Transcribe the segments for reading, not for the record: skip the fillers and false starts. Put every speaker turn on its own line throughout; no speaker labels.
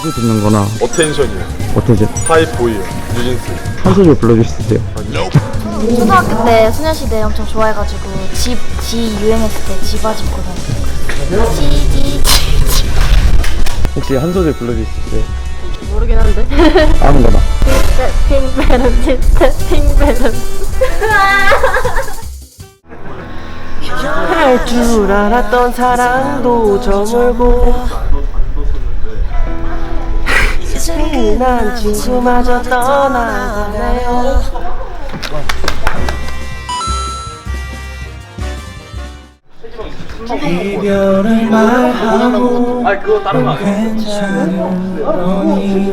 자주 듣는 거나
어텐션이요.
어떠죠?
하이보이요. 뉴진스.
한 소절 불러줄 수 있어요?
초등학교 때 소녀시대 엄청 좋아해가지고 지 유행했을 때 지바지 입고 다녔어요.
혹시 한 소절 불러줄 수 있어요?
모르긴 한데.
아무거나.
할 줄 알았던 사랑도 저물고 친한 친구마저 떠나가네요. 이별을 말하고 괜찮으니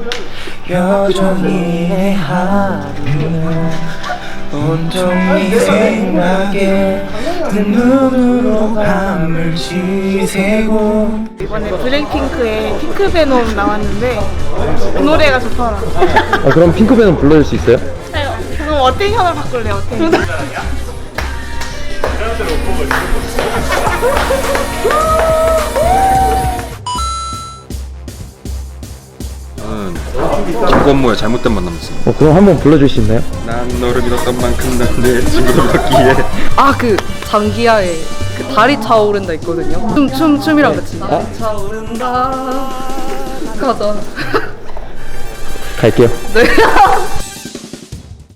여전히 내 하루는 온통 네 생각에 눈으로 밤을 지새고.
이번에 블랙핑크의 핑크베놈 나왔는데 그 노래가 좋더라.
그럼 핑크밴은 불러줄 수 있어요?
그럼 어텐션을 바꿀래, 어텐션.
김건모의 잘못된 만남이었습니다.
그럼 한번 불러줄 수 있나요?
난 너를 믿었던 만큼 난 내 친구를 믿었기에.
아, 그 장기하의 그 다리 차오른다 있거든요. 춤이랑 같이. 다리 차오른다. 가자.
갈게요.
네.